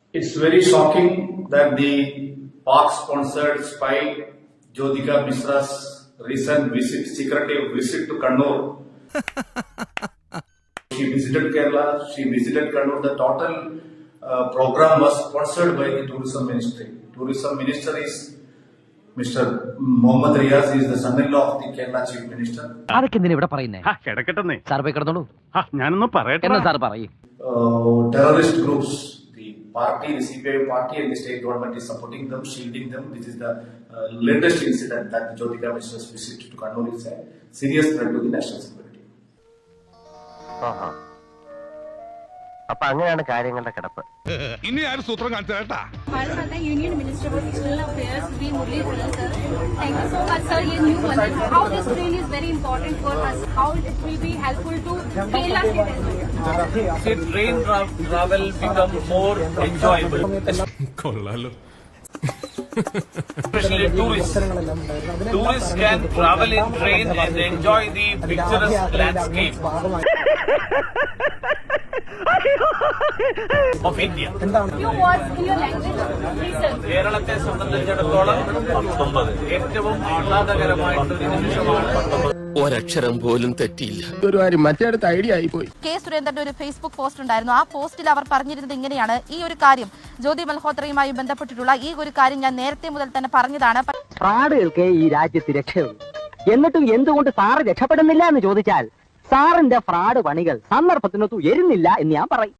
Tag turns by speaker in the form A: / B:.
A: It's very shocking that the Pak-sponsored spy Jyotika Mishra's recent secretive visit to Kannur. She visited Kerala, she visited Kannur. The total program was sponsored by the Tourism Ministry. Tourism Minister is Mr. Mohammad Riaz, is the son-in-law of the Kerala Chief Minister. Terrorist groups, the party, the CPI party and the state government is supporting them, shielding them. This is the latest incident that Jyotika Mishra's visit to Kannur is a serious threat to the national security.
B: Union Minister for External Affairs, V. Muralidharan sir. Thank you so much, sir. How this train is very important for us. How it will be helpful to Kerala state as well.
C: See, train travel become more enjoyable. Especially tourists. Tourists can travel in train and enjoy the picturesque landscape of India.
B: Few words in your language, please sir.
C: കേരളത്തെ സംബന്ധിച്ചിടത്തോളം ഏറ്റവും ആഹ്ലാദകരമായിട്ടൊരു നിമിഷമാണ്.
D: ഒരക്ഷരം പോലും തെറ്റിയില്ല.
E: മറ്റേടത്ത് idea ആയിപ്പോയി.
F: K സുരേന്ദ്രന്റെ ഒരു Facebook post ഉണ്ടായിരുന്നു. ആ പോസ്റ്റിൽ അവർ പറഞ്ഞിരുന്നത് ഇങ്ങനെയാണ്: ഈ ഒരു കാര്യം ജ്യോതി മൽഹോത്രയുമായി ബന്ധപ്പെട്ടിട്ടുള്ള ഈ ഒരു കാര്യം ഞാൻ നേരത്തെ മുതൽ തന്നെ പറഞ്ഞതാണ്.
G: ഫ്രാഡുകൾക്ക് ഈ രാജ്യത്ത് രക്ഷയുള്ളൂ. എന്നിട്ടും എന്തുകൊണ്ട് സാറ് രക്ഷപ്പെടുന്നില്ല എന്ന് ചോദിച്ചാൽ സാറിന്റെ ഫ്രാഡ് പണികൾ സന്ദർഭത്തിനൊത്തു എരുന്നില്ല എന്ന് ഞാൻ പറയും.